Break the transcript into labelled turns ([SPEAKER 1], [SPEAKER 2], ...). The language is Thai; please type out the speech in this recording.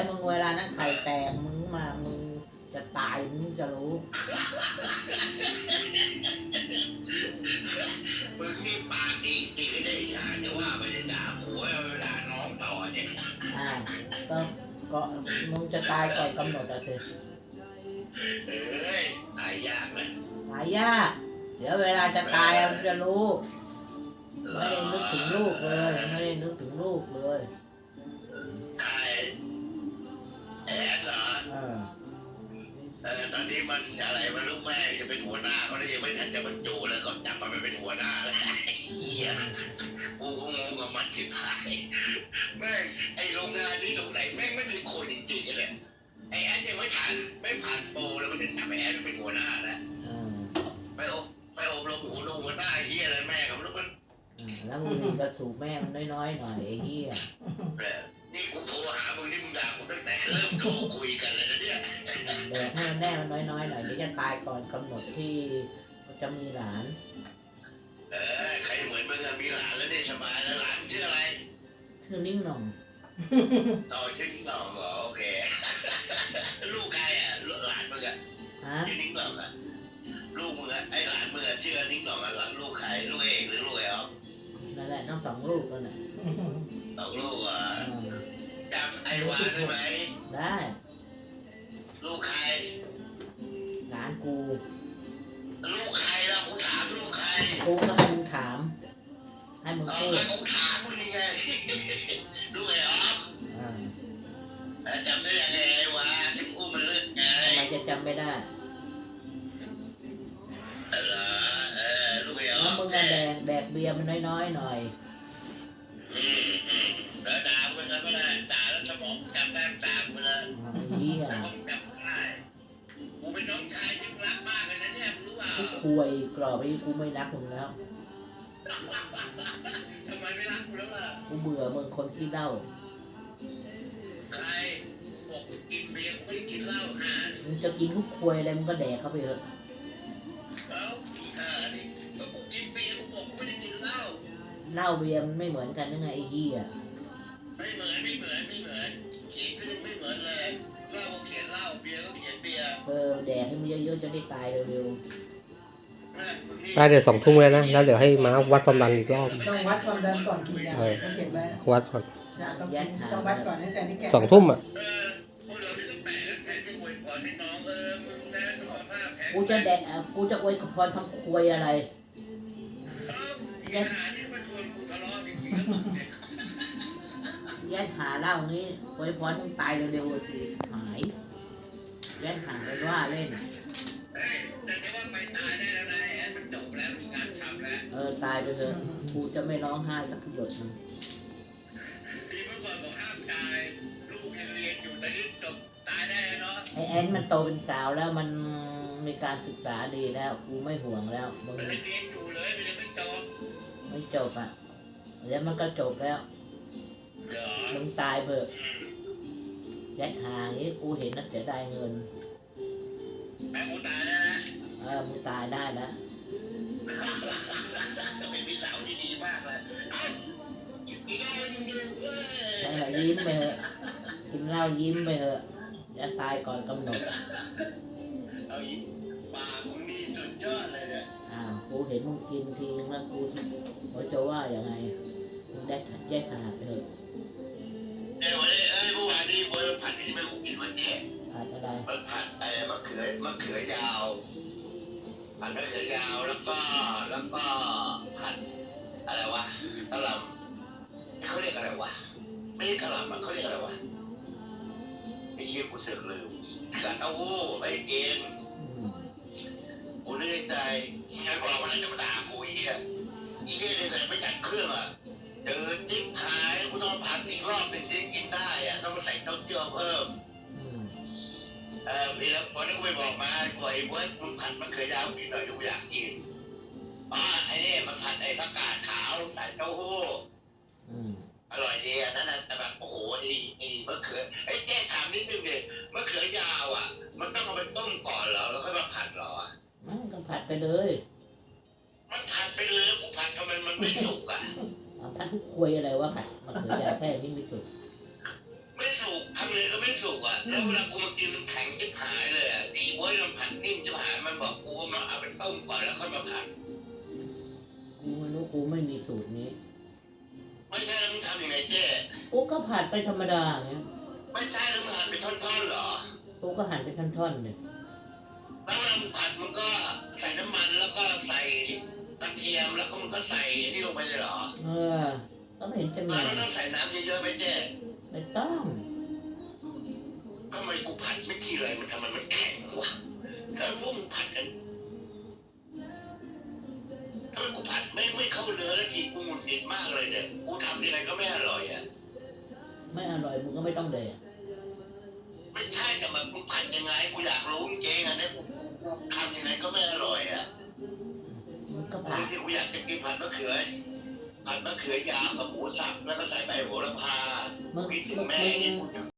[SPEAKER 1] ยวมึงเวลานั้นไข่แตกมึงมามึงจะตายมึงจะรู้
[SPEAKER 2] มึงนี่ปากดีตีไม่ได้อย่างแต่ว่าไม่ได้ด่าผัวเวลาน้องต่อเนี่ย
[SPEAKER 1] ก็มึงจะตายก่อนกำหนดอะสิ
[SPEAKER 2] ตายยากนะ
[SPEAKER 1] ตายยากเดี๋ยวเวลาจะตายมึงจะรู้ไม่ได้นึกถึงลูกเลยไม่ได้นึกถึงลูกเลย
[SPEAKER 2] ใครแอนเหรอตอนนี้มันอะไรมันลูกแม่จะเป็นหัวหน้าเขาเลยยังไม่ทันจะบรรจุแล้วก็จับมันเป็นหัวหน้าแล้วเหี้ยกูงงกับมันชิบหายแม่ไอโรงงานนี้สงสัยแม่งไม่มีคนจริงๆเลยไอแอนยังไม่ผ่านโปรแล้วมันจะจับไอแอนเป็นหัวหน้าแล้วไปอบรมหัวหน้าเหี้ยอะไรแม่กับลูกมัน
[SPEAKER 1] แล้วมึงมีกระสูบแม่มันน้อยๆหน่อยไอ้เหี้ย
[SPEAKER 2] นี่กูโทรหามึงนี่มึงด่ากูตั้งแต่เริ่มโทรคุยกันเลยนะเนี่ย
[SPEAKER 1] แดกให้มันแน่มันน้อยๆหน่อยเดี๋ยวจะตายก่อนกำหนดที่จะมีหลาน
[SPEAKER 2] ใครเหมือนมึงมีหลานแล้วได้สบายแล้วหลานชื่ออะไร
[SPEAKER 1] ชื่อนิ่งหน่อง
[SPEAKER 2] ต่อชื่อนิ่งหน่องเหรอโอเคลูกใครลูกหลานมึงชื่อนิ่งหน่องลูกมึงไอหลานมึงชื่อนิ่งหน่องหลานลูกใครลูกเอกหรือลูกไอ้อ๊อฟ
[SPEAKER 1] นั่นแหละน้อง2 ลูกนั่นแหละ
[SPEAKER 2] 2 ลูกจำไอ้วาได้ไหม
[SPEAKER 1] ได้
[SPEAKER 2] ลูกใคร
[SPEAKER 1] หลานกู
[SPEAKER 2] ลูกใครล่ะกูถามลูกใคร
[SPEAKER 1] กูก็ให้มึงถามให้มึงพูด
[SPEAKER 2] กูถามมึงยังไงลูกไอ้อ๊อฟจำได้ยังไงวะที่กูมันเลิกไง
[SPEAKER 1] ทำไมจะจำไม่ได้
[SPEAKER 2] ลูกไอ้อ๊อฟ
[SPEAKER 1] แล้วมึงก็แดกเบียร์มันน้อยๆหน่อย
[SPEAKER 2] แล้วด่าไปซะไม่ได้ด่าแล้วสมองจำได้ตามไปเลย
[SPEAKER 1] เหี้ย
[SPEAKER 2] จำได้กูเป็นน้องชายที่รักมากเลยนะเนี่ยรู้เปล่า
[SPEAKER 1] กูคุยกรอบไปกูไม่รักมึงแล้ว
[SPEAKER 2] ทำไมไม่รักกูแล้วล่ะ
[SPEAKER 1] กูเบื่อมึงคนที่เล่า
[SPEAKER 2] ใครบอกกินเบียร์กูไม่ได้กินเหล้า
[SPEAKER 1] มึงจะกินทุกคุยอะไรมึงก็แดกเข้าไปเถอะ
[SPEAKER 2] นี่กูกินเบียร์กูบอกกูไม่ได้กินเหล้า
[SPEAKER 1] เหล้าเบียร์มันไม่เหมือนกันยังไงไอ้เหี้ย
[SPEAKER 2] ไม่เหมือนเขียนขึ้นไม่เหมือนเลยเหล้าเขียนเหล้าเบียร์ก็เขียนเบียร์
[SPEAKER 1] แดกให้มันเยอะๆจะได้ตายเร็ว
[SPEAKER 3] ๆได้เดี๋ยว2 ทุ่มแล้วนะแล้วเดี๋ยวให้ม้าวัดความดันอีกรอบ
[SPEAKER 4] ต้องวัดความดันก่อนกินยาต้องเขียนไว้
[SPEAKER 3] วัดก่อน
[SPEAKER 4] ต้องวัดก่อนให้ใจนี่แก่
[SPEAKER 3] 2 ทุ่ม
[SPEAKER 1] กูจะแดกกูจะอวยพรทำควยอะไรแย่หาเหล้านี้อวยพรมึงตายเร็วๆสิหายแย่หาไปว่าเล่น
[SPEAKER 2] แต่ไม่ว่าไปตายได้แล้วนะมันจบแล้วมีงานทำแล้ว
[SPEAKER 1] ตายไปเลยกูจะไม่ร้องไห้สักหยดนึง
[SPEAKER 2] ที่เมื่อก่อนบอกห้ามตายลูกยังเรียนอยู่ตอนนี้จบตายได้เนาะ
[SPEAKER 1] ไอ้แอนมันโตเป็นสาวแล้วมันมีการศึกษาดีแล้วกูไม่ห่วงแล้ว
[SPEAKER 2] มึงเรียนอยู่เลยมันยัง
[SPEAKER 1] ไม่จบเดี๋ยวมันก็จบแล้วมึงตายเถอะยัดหาอย่างนี้กูเห็นนักเสียดายเงิน
[SPEAKER 2] แม่มึงตายได้นะ
[SPEAKER 1] มึงตายได้แล้ว
[SPEAKER 2] เป็นพี่สาวที่ดีมากเลยกินเหล้า
[SPEAKER 1] ยิ้มไปเถอะกินเหล้ายิ้มไปเถอะจะตายก่อนกำหนด
[SPEAKER 2] เอาอีกปากมึงนี่สุดยอดเลยเนี่ย
[SPEAKER 1] กูเห็นมึงกินทีแล้วกูจะว่าอย่างไงมึงแยกขาดไปเถอะ
[SPEAKER 2] เดี๋ยวเมื่อวานนี้บอยผัดที่ไม่กูกินวันแจก
[SPEAKER 1] ผัดอะไร
[SPEAKER 2] มันผัดมะเขือยาวผัดมะเขือยาวแล้วก็ผัดอะไรวะกะหล่ำเขาเรียกอะไรวะไม่ใช่กะหล่ำเขาเรียกอะไรวะไอ้เชี่ยกูเสือกลืมกะเต้าหู้ไอ้เองกูนึกในใจแค่บอกว่าจะมาด่ากูอีเลยแต่ไม่จัดเครื่องเดินจิ้มขายกูต้องผัดอีกรอบหนึ่งที่กินได้ต้องมาใส่เต้าเจี้ยวเพิ่มพี่แล้วพอที่กูไปบอกมากูไอ้เว้ยคุณผัดมะเขือยาวกินหน่อยกูอยากกินไอ้นี่มันผัดไอ้ผักกาดขาวใส่เต้าหู้อร่อยดีนั่นแต่แบบโอ้โหดีมะเขือไอ้เจ๊ถามนิดนึงดิมะเขือยาวมันต้องเอาไปต้มก่อนเหรอแล้วค่อยมาผัดเหรอ
[SPEAKER 1] ก็ผัดไปเลย
[SPEAKER 2] มันผัดไปเลยแล้วกูผัดทำไมมันไม่สุก
[SPEAKER 1] ผัดทุกควยอะไรวะผัดมะเขือยาวแค่นี้ไม่สุก
[SPEAKER 2] ไม่สุกทำเลยก็ไม่สุกอ่ะแล้วเวลากูมากินมันแข็งจิบหายเลยอ่ะดีเว้ยมันผัดนิ่มจิบหายมันบอกกูว่ามันเอาไปต้มก่อนแล้วค่อยมาผัด
[SPEAKER 1] กูไม่รู้กูไม่มีสูตรนี้
[SPEAKER 2] ไม่ใช่แล้วมึงทำยังไงเจ๊
[SPEAKER 1] กูก็ผัดไปธรรมดาอย่างเงี้ย
[SPEAKER 2] ไม่ใช่แล้วมึงหั่นเป็นท่อนๆเหรอ
[SPEAKER 1] กูก็หั่นเป็นท่อนๆเนี่ย
[SPEAKER 2] แล้วเวลามึงผัดมึงก็ใส่น้ำมันแล้วก็ใส่กระเทียมแล้วก็มึงก็ใส่ไอ้นี่ลงไปเลยเหรอ
[SPEAKER 1] ก็ไม่เห็นจะมี
[SPEAKER 2] แล้วไม่ต้องใส่น้ำเยอะๆไหมเจ๊
[SPEAKER 1] ไม่ต้อง
[SPEAKER 2] ทำไมกูผัดไม่ทีไรมันทำไมมันแข็งวะถ้าพวกมึงผัดกันทำไมกูผัดไม่เข้าเนื้อแล้วทีกูหงุดหงิดมากเลยเนี่ยกูทำทีไรก็ไม่อร่อยอ่ะ
[SPEAKER 1] ไม่อร่อยมึงก็ไม่ต้องแดก
[SPEAKER 2] ไม่ใช่แต่แบบมึงผัดยังไงกูอยากรู้จริงๆอ่ะเนี่ยกูทำยังไงก็ไม่อร่อยอ่ะ
[SPEAKER 1] มึงก็
[SPEAKER 2] บา
[SPEAKER 1] ผั
[SPEAKER 2] ง
[SPEAKER 1] ด
[SPEAKER 2] ทีกูอยากจะกินผัดมะเขือยาวกับหมูสับแล้วก็ใส่ใบโหระพา
[SPEAKER 1] มึง
[SPEAKER 2] คิดถึงแม่
[SPEAKER 1] มึ
[SPEAKER 2] นี่
[SPEAKER 1] ง
[SPEAKER 2] กูจะ